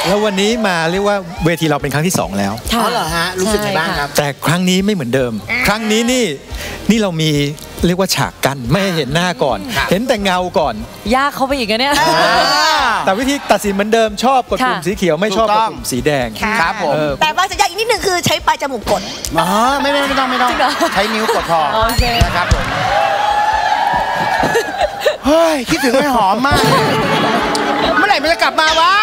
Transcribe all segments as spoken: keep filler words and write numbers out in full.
แล้ววันนี้มาเรียกว่าเวทีเราเป็นครั้งที่สองแล้วอ๋อเหรอฮะรู้สึกไงบ้างครับแต่ครั้งนี้ไม่เหมือนเดิมครั้งนี้นี่นี่เรามีเรียกว่าฉากกั้นไม่ให้เห็นหน้าก่อนเห็นแต่เงาก่อนยากเข้าไปอีกนะเนี่ยแต่วิธีตัดสินเหมือนเดิมชอบกดปุ่มสีเขียวไม่ชอบกดปุ่มสีแดงครับผมแต่ว่าสัญญาอีกนิดหนึ่งคือใช้ปลายจมูกกดอ๋อไม่ไม่ไม่ต้องไม่ต้องใช้นิ้วกดพอนะครับผมเฮ้ยคิดถึงไม่หอมมากเมื่อไหร่มันจะกลับมาวะ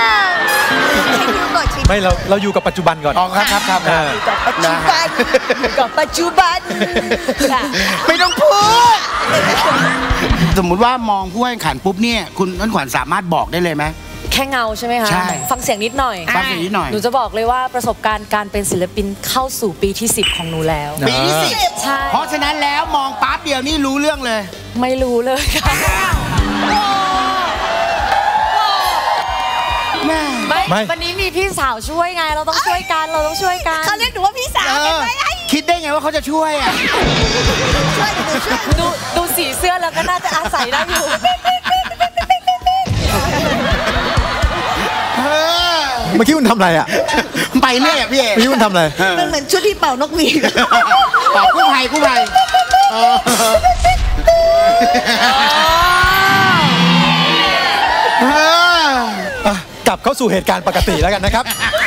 ไม่เราเราอยู่กับปัจจุบันก่อนอ๋อครับครับครับปัจจุบันกับปัจจุบันไม่ต้องพูดสมมุติว่ามองผู้แข่งขันปุ๊บเนี่ยคุณน้นขวัญสามารถบอกได้เลยไหมแค่เงาใช่ไหมคะใช่ฟังเสียงนิดหน่อยฟังเสียงนิดหน่อยหนูจะบอกเลยว่าประสบการณ์การเป็นศิลปินเข้าสู่ปีที่สิบของหนูแล้วปีที่สิบใช่เพราะฉะนั้นแล้วมองปั๊บเดียวนี่รู้เรื่องเลยไม่รู้เลยค่ะไม่วันนี้มีพี่สาวช่วยไงเราต้องช่วยกันเราต้องช่วยกันเขาเรียกหนูว่าพี่สาวเป็นไหมคิดได้ไงว่าเขาจะช่วยอ่ะดูดูสีเสื้อแล้วก็น่าจะอาศัยได้อยู่เมื่อกี้คุณทำอะไรอ่ะไปเรื่อยอ่ะพี่เอ๋เมื่อกี้คุณทำอะไรมันเหมือนชุดที่เป่านกหวีดเป่ากู้ภัยกู้ภัยกลับเข้าสู่เหตุการณ์ปกติแล้วกันนะครับ